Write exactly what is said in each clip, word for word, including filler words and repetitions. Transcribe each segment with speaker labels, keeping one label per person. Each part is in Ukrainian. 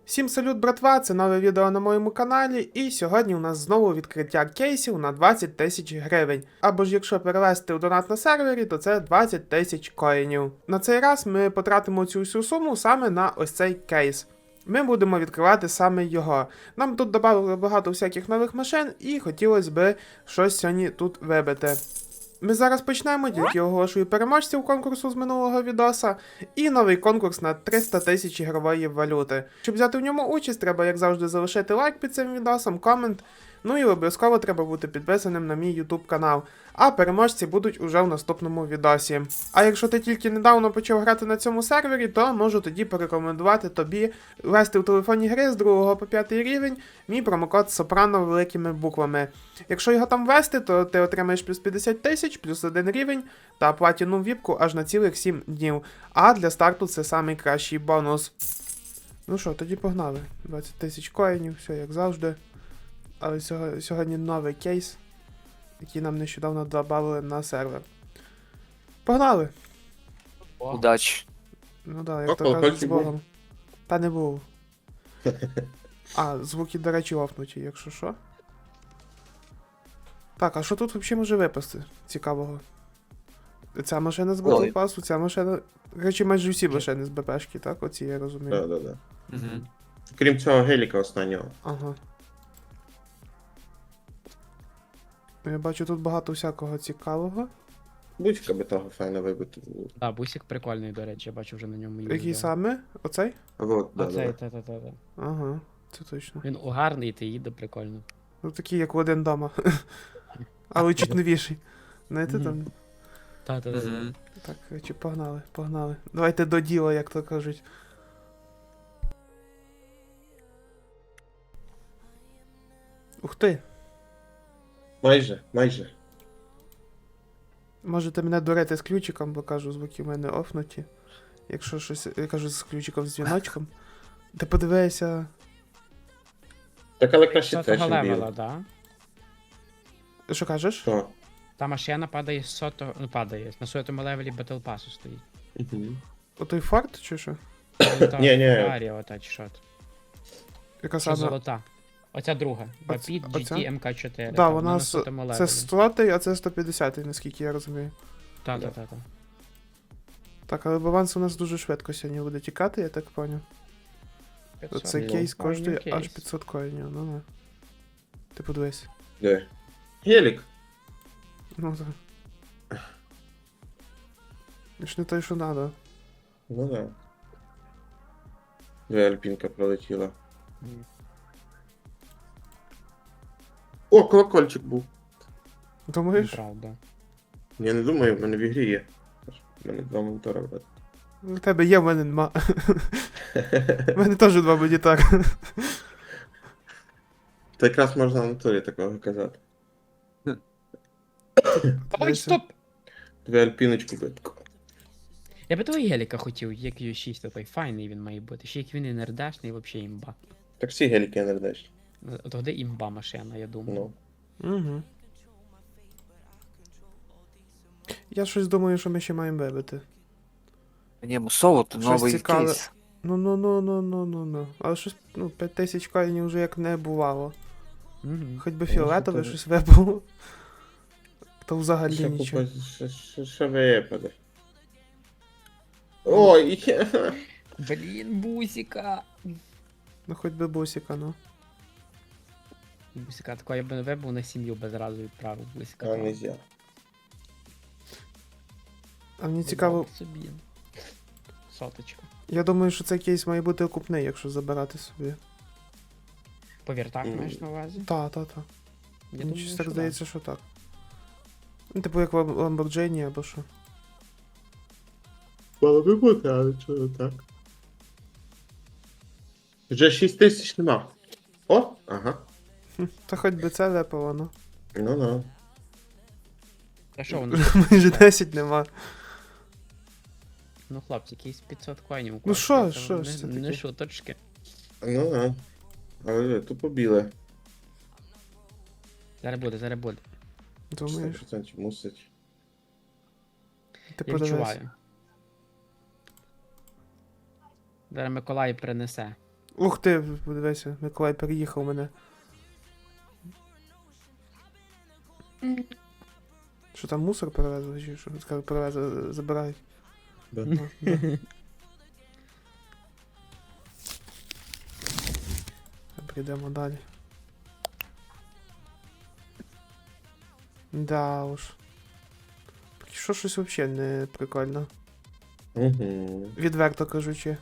Speaker 1: Всім салют, братва! Це нове відео на моєму каналі, і сьогодні у нас знову відкриття кейсів на двадцять тисяч гривень. Або ж якщо перевести у донат на сервері, то це двадцять тисяч коїнів. На цей раз ми потратимо цю всю суму саме на ось цей кейс. Ми будемо відкривати саме його. Нам тут додали багато всяких нових машин, і хотілося б щось сьогодні тут вибити. Ми зараз почнемо, тільки оголошую переможців конкурсу з минулого відоса, і новий конкурс на триста тисяч ігрової валюти. Щоб взяти в ньому участь, треба, як завжди, залишити лайк під цим відосом, комент, ну і обов'язково треба бути підписаним на мій YouTube канал, а переможці будуть уже в наступному відосі. А якщо ти тільки недавно почав грати на цьому сервері, то можу тоді порекомендувати тобі ввести в телефонні гри з другого по п'ятий рівень мій промокод Сопрано великими буквами. Якщо його там ввести, то ти отримаєш плюс п'ятдесят тисяч, плюс один рівень та платіну віпку аж на цілих сім днів. А для старту це самий кращий бонус. Ну що, тоді погнали. двадцять тисяч коїнів, все як завжди. Але сьогодні, сьогодні новий кейс, який нам нещодавно додали на сервер. Погнали!
Speaker 2: Удачі.
Speaker 1: Ну да, як
Speaker 3: О,
Speaker 1: то кажуть, з
Speaker 3: колокольчик був?
Speaker 1: Богом. Та не був. А, звуки, до речі, офнуті, якщо що. Так, а що тут взагалі може випасти цікавого? Ця машина з
Speaker 3: Ой.
Speaker 1: Battle Pass, ця машина. Речі, майже всі машини з БПшки, так? Оці я розумію.
Speaker 3: Да, да, да.
Speaker 2: Угу.
Speaker 3: Крім цього геліка останнього.
Speaker 1: Ага. Я бачу тут багато всякого цікавого.
Speaker 3: Будь-яка би того файна вибити.
Speaker 4: Так, бусик прикольний, до речі, я бачу вже на ньому їздив.
Speaker 1: Який саме? Оцей?
Speaker 3: Вот, да,
Speaker 4: Оцей,
Speaker 3: да.
Speaker 4: та-та-та.
Speaker 1: Ага, це точно.
Speaker 4: Він угарний, ти їде прикольно.
Speaker 1: Ну такий, як в один дома. Але чуть новіший. Знаєте
Speaker 4: Мгм.
Speaker 1: там.
Speaker 4: Та-та-та.
Speaker 2: Угу.
Speaker 1: Так, короче, погнали, погнали. Давайте до діла, як то кажуть. Ух ти!
Speaker 3: Майже, майже.
Speaker 1: Можете мене дурити з ключиком, бо кажу, звуки в мене офнуті. Якщо щось, я кажу з ключиком з дзвіночком. Ти подивися.
Speaker 3: Так, але краще те,
Speaker 4: Сотого
Speaker 3: чим
Speaker 4: левела,
Speaker 3: білий.
Speaker 4: да?
Speaker 1: Що кажеш?
Speaker 3: Що?
Speaker 4: Та машина падає з сотого, ну падає, на сотому левелі Battle Pass стоїть.
Speaker 3: Угу.
Speaker 1: Отой форт чи що?
Speaker 3: Ні, ні.
Speaker 4: Феррарі, ота чи що. то.
Speaker 1: Яка
Speaker 4: Що
Speaker 1: саме?
Speaker 4: золота. Оця друга.
Speaker 1: Оц-
Speaker 4: Rapid
Speaker 1: оця?
Speaker 4: джі ті ем ка чотири.
Speaker 1: Да,
Speaker 4: та,
Speaker 1: вона
Speaker 4: на
Speaker 1: с-
Speaker 4: сотому
Speaker 1: Це
Speaker 4: левелі.
Speaker 1: сто, а це сто п'ятдесят, наскільки я розумію.
Speaker 4: Та-та-та.
Speaker 1: Так, але баланс у нас дуже швидко сьогодні буде тікати, я так поняв. Цей
Speaker 3: Ну,
Speaker 1: кейс
Speaker 4: коїнів
Speaker 1: коштує аж
Speaker 4: кейс.
Speaker 1: п'ятсот коїнів, ну не. Ти подивись.
Speaker 3: Де? Гелік.
Speaker 1: Ну так. Ж не той, що надо.
Speaker 3: Ну да. Дві альпінка пролетіла.
Speaker 4: Ні.
Speaker 3: О, колокольчик був.
Speaker 1: Думаєш?
Speaker 4: Правда.
Speaker 3: Я не думаю, в мене в ігрі є. У мене два монітора, брат.
Speaker 1: У тебе є, в мене нема. У мене теж два монітори.
Speaker 3: Та якраз можна на турі такого казати.
Speaker 4: Ой,
Speaker 1: Дивися.
Speaker 4: стоп!
Speaker 3: Дві альпіночку би.
Speaker 4: Я би того геліка хотів, як Ю шість, той файний він має бути. Ще як він і нердашний, взагалі імба.
Speaker 3: Так всі геліки не рдеш.
Speaker 4: Тоді імба машина, я думаю.
Speaker 3: Ну.
Speaker 1: Угу. Я щось думаю, що ми ще маємо вибити.
Speaker 2: Ні, мусово, то
Speaker 1: Щось
Speaker 2: новий
Speaker 1: цікаве.
Speaker 2: кейс.
Speaker 1: Ну ну ну ну ну ну ну. Але щось, ну, п'ять тисяч коїнів вже як не бувало.
Speaker 4: Угу.
Speaker 1: Хоч би
Speaker 3: Ну,
Speaker 1: фіолетове
Speaker 3: що
Speaker 1: щось вибуло. То взагалі
Speaker 3: Що
Speaker 1: нічого.
Speaker 3: купа- що- що- Що випаде? Ой,
Speaker 4: Блін, бусика.
Speaker 1: Ну хоч би бусика, ну.
Speaker 4: Бусика такого я б не вибув на сім'ю би зразу відправив бусика.
Speaker 3: а нельзя.
Speaker 1: А мені цікаво,
Speaker 4: Собі. Соточка.
Speaker 1: я думаю, що цей кейс має бути окупний, якщо забирати собі.
Speaker 4: Повір, так
Speaker 3: Мгм.
Speaker 4: маєш на увазі?
Speaker 1: Та, та, та.
Speaker 4: Я
Speaker 1: Мені
Speaker 4: думаю,
Speaker 1: щось
Speaker 4: що
Speaker 1: так
Speaker 4: да.
Speaker 1: здається, що так. Ну, типу як в Lamborghini або що.
Speaker 3: Мало би бути, але чого так. Вже шість тисяч нема. О, ага.
Speaker 1: Хм, Та хоч би це випало, ну.
Speaker 3: Ну ну.
Speaker 4: Та що воно?
Speaker 1: Майже десять нема.
Speaker 4: Ну, хлопці, якісь п'ятсот коїнів.
Speaker 1: Ну,
Speaker 4: коштує,
Speaker 1: що,
Speaker 4: це
Speaker 1: що
Speaker 4: не-
Speaker 1: ж це
Speaker 4: Не
Speaker 1: таке?
Speaker 4: шуточки.
Speaker 3: Ну ну. Але тупо біле.
Speaker 4: Зараз буде, зараз буде.
Speaker 1: Думаєш?
Speaker 3: сто відсотків мусить.
Speaker 1: Ти
Speaker 4: Я
Speaker 1: подивись.
Speaker 4: відчуваю. Зараз Миколай принесе.
Speaker 1: Ух ти, подивися, Миколай переїхав мене. Що там мусор перевезли, чи що? Скажу, перевезли, забирають.
Speaker 3: Да.
Speaker 1: Ну, да. Прийдемо далі. Да уж. Поки що щось взагалі не прикольно.
Speaker 3: Угу.
Speaker 1: Відверто кажучи.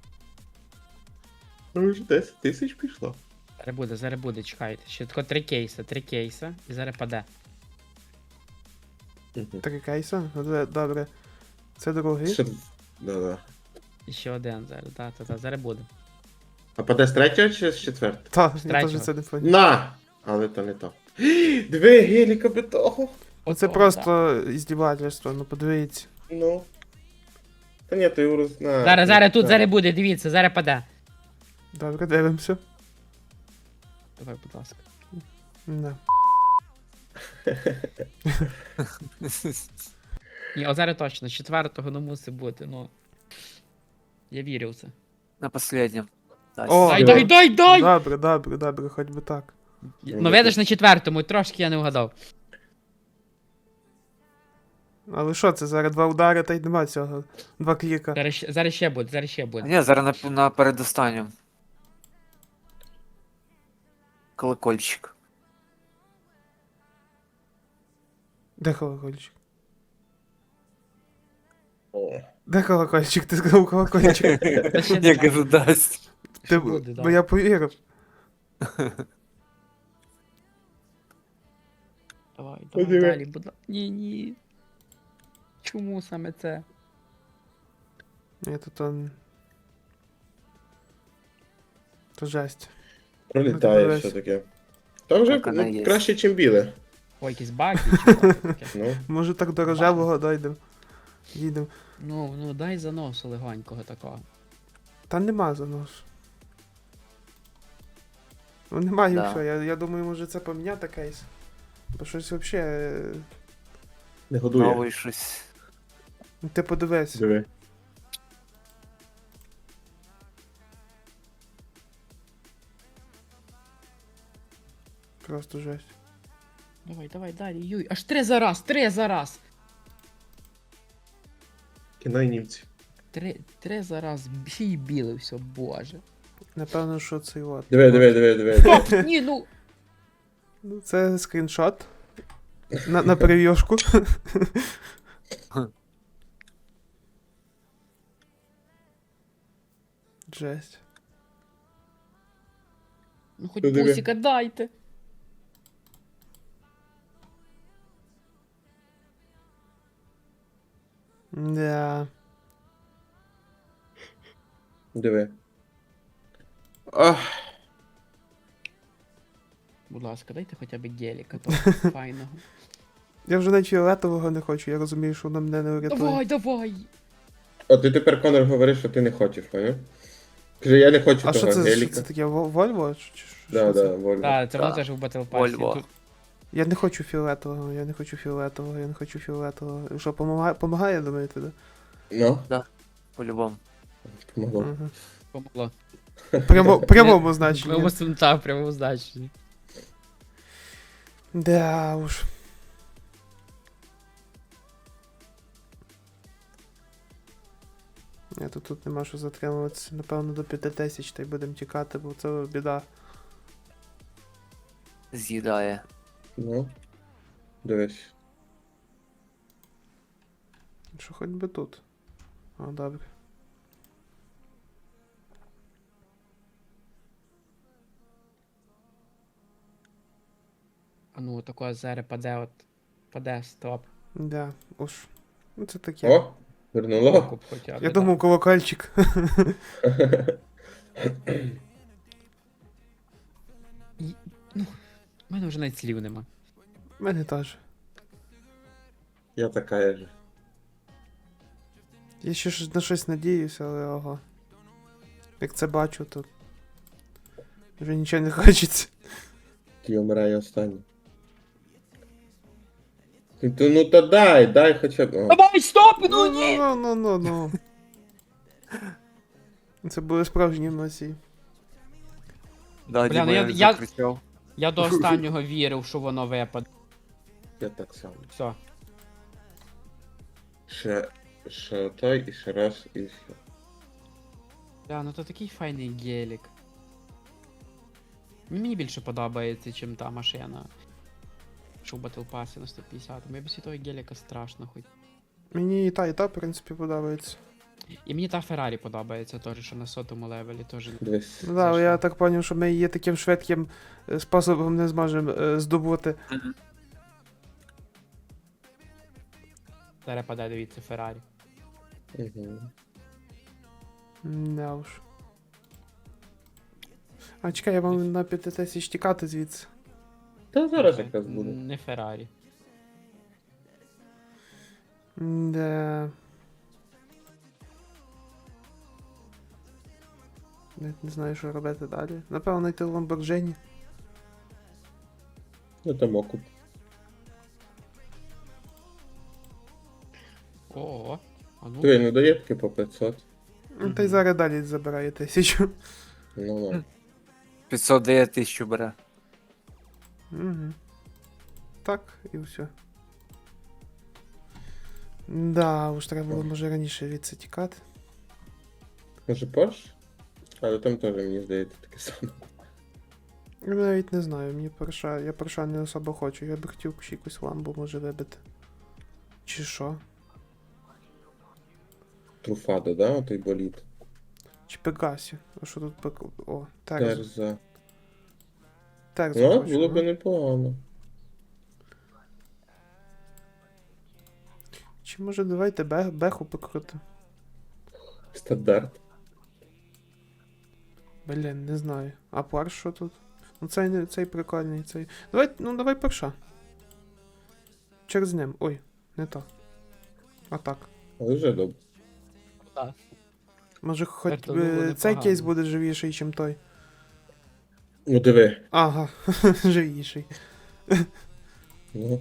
Speaker 3: Ну вже десять тисяч пішло.
Speaker 4: Зараз буде, зараз буде, чекайте. Ще тако три кейса, три кейса, і зараз паде.
Speaker 3: Угу.
Speaker 1: Три кейса? Ну, де- добре. Це другий.
Speaker 3: Ще... Да-да.
Speaker 4: І ще один зараз, та, та, та, зараз буде.
Speaker 3: А паде з третього чи з четвертого?
Speaker 1: Та,
Speaker 4: З
Speaker 1: я теж
Speaker 4: третього.
Speaker 1: це не понял.
Speaker 3: На! Але то не то. Диви, геліка би того.
Speaker 1: Оце
Speaker 4: О,
Speaker 1: просто іздівательство, ну подивіться.
Speaker 3: Ну. Та ні, то його роз... на,
Speaker 4: Зараз, зараз тут,
Speaker 3: на.
Speaker 4: зараз буде, дивіться, зараз паде.
Speaker 1: Добре, дивимося.
Speaker 4: Давай, будь ласка.
Speaker 1: Да.
Speaker 4: Ні, о, зараз точно, з четвертого не мусить бути, ну. Я вірю в це.
Speaker 2: На последнем. Да,
Speaker 1: О,
Speaker 4: Дай,
Speaker 3: да.
Speaker 4: дай, дай, дай!
Speaker 1: Добре, добре, добре, хоч би так.
Speaker 4: Ну видиш на четвертому, трошки я не вгадав.
Speaker 1: Але що це, зараз два удари та й нема цього. Два кліка.
Speaker 4: Зараз, ще- зараз ще буде, зараз ще буде.
Speaker 2: Ні, зараз на, на передостанньому. Колокольчик.
Speaker 1: Де колокольчик?
Speaker 3: О.
Speaker 1: Де колокольчик? Ти сказав колокольчик.
Speaker 4: Та ще
Speaker 2: Я
Speaker 4: не
Speaker 2: кажу, дасть.
Speaker 1: Ти,
Speaker 4: буде, да.
Speaker 1: бо я повірив.
Speaker 4: Давай, давай
Speaker 3: Подиви.
Speaker 4: далі, будь ласка. Ні, ні. Чому саме це?
Speaker 1: Ні, то то... То жесть.
Speaker 3: Пролітає
Speaker 1: Ну,
Speaker 3: все-таки. Та вже
Speaker 2: Так, вона
Speaker 3: ну,
Speaker 2: є.
Speaker 3: краще, ніж біле.
Speaker 4: Ой, якісь баги чи що таке?
Speaker 3: Ну.
Speaker 1: Може так до рожевого дойдемо. Їдемо.
Speaker 4: Ну, ну дай заносу легонького такого.
Speaker 1: Та нема занос. Ну немає
Speaker 2: Да.
Speaker 1: все. Я, я думаю, може це поміняти кейс. Бо щось взагалі.
Speaker 3: Не годує.
Speaker 2: Новий щось.
Speaker 1: Ти подивись.
Speaker 3: Диви.
Speaker 1: Просто жесть.
Speaker 4: Давай, давай, далі, юй. Аж три за раз, три за раз.
Speaker 3: Кіно і німці.
Speaker 4: Три, три за раз. Ще й біле все, боже.
Speaker 1: Напевно, що це от.
Speaker 3: Диви, диви, диви, диви. диви.
Speaker 4: О, ні, ну.
Speaker 1: Ну, це скріншот. На, на прев'юшку. Жесть.
Speaker 4: Ну хоч
Speaker 3: Ну, диви.
Speaker 4: пусіка дайте.
Speaker 1: Да.
Speaker 3: Диви. Ах,
Speaker 4: Будь ласка, дайте хоча б геліка, то файного.
Speaker 1: Я вже навіть фіолетового не хочу, я розумію, що воно мене не врятує.
Speaker 4: Давай, давай.
Speaker 3: а ти тепер, Конор, говориш, що ти не хочеш, поняв? Каже, я не хочу
Speaker 1: А
Speaker 3: того
Speaker 1: що це, що
Speaker 3: геліка.
Speaker 1: це таке? Вол- Вольво? Чи- чи- що
Speaker 3: Да,
Speaker 1: це?
Speaker 3: да, вольно.
Speaker 4: Так, це воно
Speaker 2: Да.
Speaker 4: теж в Battle Pass.
Speaker 2: Вольво.
Speaker 4: Тут
Speaker 1: Я не хочу фіолетового, я не хочу фіолетового, я не хочу фіолетового. Що, помагає, помагає думаєте, да?
Speaker 3: Ну,
Speaker 2: По-любому.
Speaker 3: помогло.
Speaker 1: Ага.
Speaker 4: помогло.
Speaker 1: Прямо, прямому значенні.
Speaker 4: Прямо сунта, прямо значенні.
Speaker 1: Да уж. Ні, то тут нема що затримуватися. Напевно, до п'яти тисяч та й будемо тікати, бо це біда.
Speaker 2: З'їдає.
Speaker 3: Ну. Дивись.
Speaker 1: Що хоч би тут. О, добре.
Speaker 4: А ну, тако зараз паде от. Паде, стоп.
Speaker 1: Да, уж. Ну це таке.
Speaker 3: О, вернуло.
Speaker 4: Окуп хоча б.
Speaker 1: Я
Speaker 4: да.
Speaker 1: думав, колокольчик.
Speaker 4: У мене вже навіть слів нема.
Speaker 1: У мене теж.
Speaker 3: Я така же.
Speaker 1: Я ще ж на щось надіюся, але ого. Як це бачу, то вже нічого не хочеться.
Speaker 3: Ті вмирає останній. Ти, ти, ну та дай, дай хоча б. О.
Speaker 4: Давай, стоп! Ну ні!
Speaker 1: Ну, ну, ну, ну. Це були справжні емоції.
Speaker 2: Да,
Speaker 4: Бля, ну
Speaker 2: Діма,
Speaker 4: я-
Speaker 2: я,
Speaker 4: я-
Speaker 2: закричав.
Speaker 4: Я до останнього вірив, що воно випаде.
Speaker 3: Я так само.
Speaker 4: Все.
Speaker 3: Ще, ще той, і ще раз, і все.
Speaker 4: Бля, ну то такий файний гелік. Мені більше подобається, чим та машина. Що в Battle Pass на сто п'ятдесят. Мені без того геліка страшно хоч.
Speaker 1: Мені і та, і та, в принципі, подобається.
Speaker 4: І мені та Феррарі подобається теж, що на сотому левелі теж.
Speaker 3: Дивись.
Speaker 1: Ну да,
Speaker 4: Зайшло.
Speaker 1: я так зрозумів, що ми її таким швидким е, способом не зможемо е, здобути.
Speaker 4: Зараз паде, дивіться, Феррарі.
Speaker 3: Угу.
Speaker 1: Не уж. А чекай, я вам на п'ять тисяч тікати звідси.
Speaker 3: Та зараз якраз буде.
Speaker 4: Не Феррарі.
Speaker 1: Де. Навіть не знаю, що робити далі. Напевно, йти в Lamborghini.
Speaker 3: Ну там окуп.
Speaker 4: Ого. А ну.
Speaker 3: Диви, ну дає таки по п'ятсот.
Speaker 1: Ну, та й зараз далі забирає тисячу.
Speaker 3: Ну, ну.
Speaker 2: п'ятсот дає тисячу бере.
Speaker 1: Угу. Так, і все. Да, уж треба було, може, раніше від це тікати.
Speaker 3: Може Porsche? Але там теж, мені здається, таке саме.
Speaker 1: Я навіть не знаю, мені Порша, я Порша не особо хочу, я би хотів ще якусь ламбу може вибити. Чи що?
Speaker 3: Труфадо, да? Отой боліт.
Speaker 1: Чи Пегасі. А що тут Пек... О, Терзу.
Speaker 3: Терза.
Speaker 1: Терзу
Speaker 3: Ну,
Speaker 1: хочу,
Speaker 3: було
Speaker 1: ну.
Speaker 3: б непогано.
Speaker 1: Чи може давайте бе... беху покрути?
Speaker 3: Стандарт.
Speaker 1: Блін, не знаю. А Порш що тут? Ну цей, не- цей прикольний, цей. Давай, ну давай Порша. Через ним. Ой, не так. А так.
Speaker 3: Але вже добре.
Speaker 4: Так.
Speaker 1: Може хоч
Speaker 4: Так, то було
Speaker 1: е, цей
Speaker 4: непогано.
Speaker 1: кейс буде живіший, ніж той.
Speaker 3: Ну диви.
Speaker 1: Ага, живіший.
Speaker 3: Ну.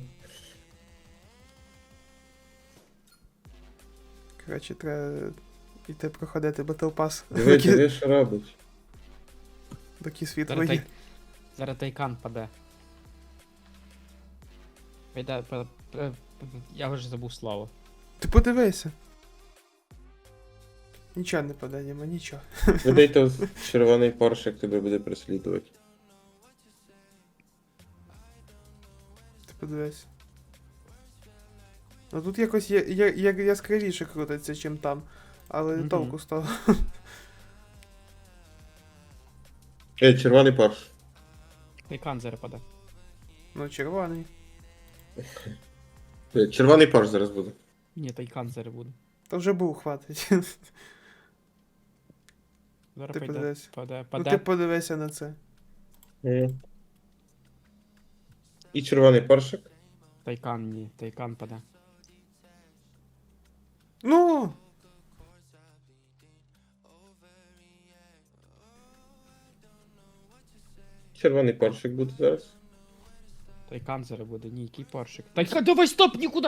Speaker 1: Коротше, треба йти проходити Battle Pass.
Speaker 3: Диви,
Speaker 1: доки,
Speaker 3: диви, що робить.
Speaker 1: доки світло
Speaker 4: Зараз,
Speaker 1: є.
Speaker 4: тай... Зараз тайкан паде. Вийде, па- па- я вже забув слово.
Speaker 1: Ти подивися. Нічого не паде, нема, нічого.
Speaker 3: Видайте червоний Porsche, як тебе буде переслідувати.
Speaker 1: Ти подивись. Ну тут якось є, є, є яскравіше крутиться, чим там. Але
Speaker 4: Мгм.
Speaker 1: толку з того.
Speaker 3: Ей, червоний Porsche.
Speaker 4: Тайкан зараз паде.
Speaker 1: Ну, червоний.
Speaker 3: Е, Червоний Porsche зараз буде.
Speaker 4: Ні, тайкан зараз буде.
Speaker 1: То вже був, хватить.
Speaker 4: Зараз
Speaker 1: Ти
Speaker 4: пайде.
Speaker 1: подивись.
Speaker 4: Паде,
Speaker 1: Ну
Speaker 4: паде.
Speaker 1: ти подивися на це.
Speaker 3: Мгм. І червоний Porsche.
Speaker 4: Тайкан ні, тайкан паде.
Speaker 1: Ну!
Speaker 3: Червоний Porsche буде зараз.
Speaker 4: Тайкан зараз буде, ні, який поршик. Тайкан, давай стоп, нікуди!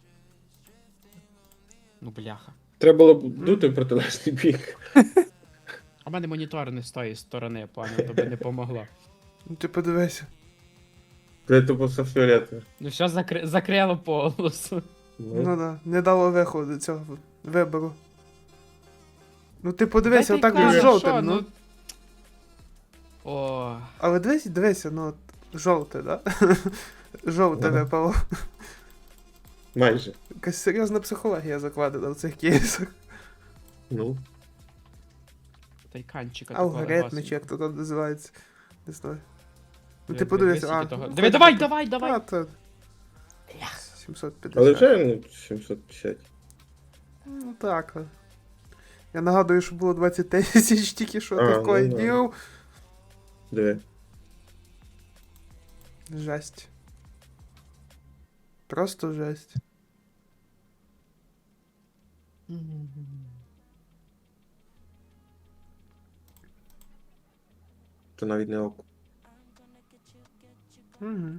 Speaker 4: Ну бляха.
Speaker 3: Треба було б дути в протилежний бік.
Speaker 4: А в мене монітор не з тої сторони, пані, то би не помогло.
Speaker 1: Ну ти подивися.
Speaker 3: Це тупо все фіолетове.
Speaker 4: Ну що закри... закрило полосу.
Speaker 1: Ну да, не дало виходу цього вибору. Ну ти подивися,
Speaker 4: Дай
Speaker 1: отак
Speaker 4: тайкан,
Speaker 1: він
Speaker 4: що,
Speaker 1: жовтим, ну.
Speaker 4: О,
Speaker 1: Але дивись, дивися, ну от жовте, да? Жовте
Speaker 3: Ага.
Speaker 1: випало.
Speaker 3: Майже.
Speaker 1: Якась серйозна психологія закладена в цих кейсах.
Speaker 3: Ну.
Speaker 4: тайканчика такого
Speaker 1: Алгоритми,
Speaker 4: легасенького.
Speaker 1: чи як то там називається. Не знаю. Ну
Speaker 4: Диви,
Speaker 1: ти
Speaker 4: диви,
Speaker 1: подивися,
Speaker 4: скільки
Speaker 1: а.
Speaker 4: того-
Speaker 1: ну,
Speaker 4: Диви,
Speaker 1: хоч
Speaker 4: давай,
Speaker 1: би-
Speaker 4: давай, давай!
Speaker 1: А, то
Speaker 4: Блях.
Speaker 1: сімсот
Speaker 3: Але
Speaker 1: п'ятдесят.
Speaker 3: вже ну, сімсот п'ятдесят.
Speaker 1: Ну так. а. Я нагадую, що було двадцять тисяч тільки що
Speaker 3: А, ну,
Speaker 1: такої
Speaker 3: да.
Speaker 1: днів.
Speaker 3: Диви.
Speaker 1: Жесть. Просто жесть.
Speaker 3: Це навіть не око.
Speaker 1: Угу.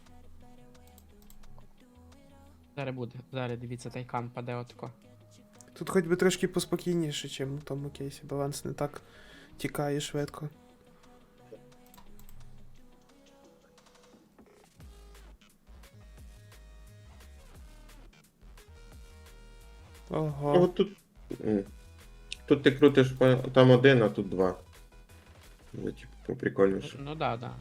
Speaker 4: Зараз буде, зараз дивіться, тайкан паде отко.
Speaker 1: Тут хоч би трошки поспокійніше, чим в тому кейсі. Баланс не так тікає швидко.
Speaker 3: Ну,
Speaker 1: Ого.
Speaker 3: от тут. м. Тут ти крутиш по- там один, а тут два. Ну, типу, прикольніше.
Speaker 4: Ну да, да.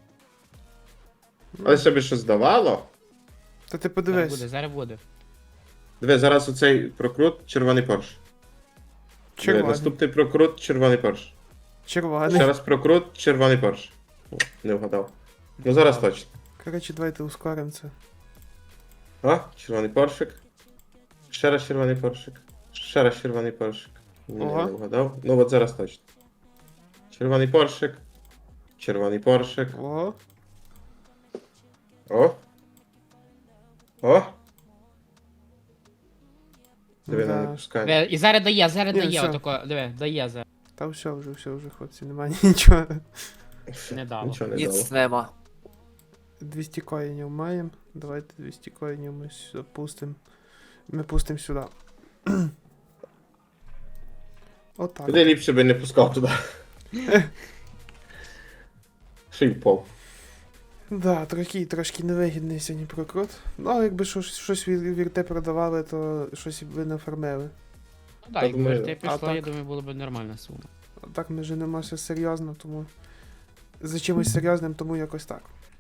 Speaker 3: Але собі що здавало?
Speaker 1: Та ти
Speaker 4: Зараз
Speaker 1: подивись.
Speaker 4: буде, зараз буде.
Speaker 3: Диви, зараз оцей прокрут, червоний Порш. Диви,
Speaker 1: Червоний.
Speaker 3: наступний прокрут, червоний Порш.
Speaker 1: Червоний.
Speaker 3: Ще раз прокрут, червоний Порш. О, не вгадав. Ну зараз точно.
Speaker 1: Коротше, давайте ускоримо це.
Speaker 3: А, червоний Поршик. Ще раз червоний Поршик. Ще раз червоний Поршик. Ні,
Speaker 1: Ого.
Speaker 3: не вгадав. Ну от зараз точно. Червоний Поршик. Червоний Поршик.
Speaker 1: О,
Speaker 3: О. О. Диви,
Speaker 1: да.
Speaker 3: не пускай.
Speaker 4: Диви, І зараз дає, зараз
Speaker 1: Ні,
Speaker 4: дає,
Speaker 1: все.
Speaker 4: отако, диви, дає зараз.
Speaker 1: Та все вже, все вже, хлопці, немає нічого.
Speaker 4: Не дало.
Speaker 3: Нічого не дало.
Speaker 2: Ніц нема.
Speaker 1: двісті коїнів маємо. Давайте двісті коїнів ми сюди пустимо. Ми пустимо сюди. Отак.
Speaker 3: Куди ліпше би не пускав туди. Ще й впав.
Speaker 1: Да, трохи, трошки невигідний сьогодні прокрут. Ну, але якби щось, щось від вірте продавали, то щось ви не фармили.
Speaker 4: Ну да,
Speaker 3: Та
Speaker 4: якби
Speaker 3: думаю,
Speaker 4: ти
Speaker 1: а
Speaker 4: пішло, я
Speaker 1: так?
Speaker 4: думаю, було б нормальна сума.
Speaker 1: А так ми женимося серйозно, тому за чимось серйозним, тому якось так.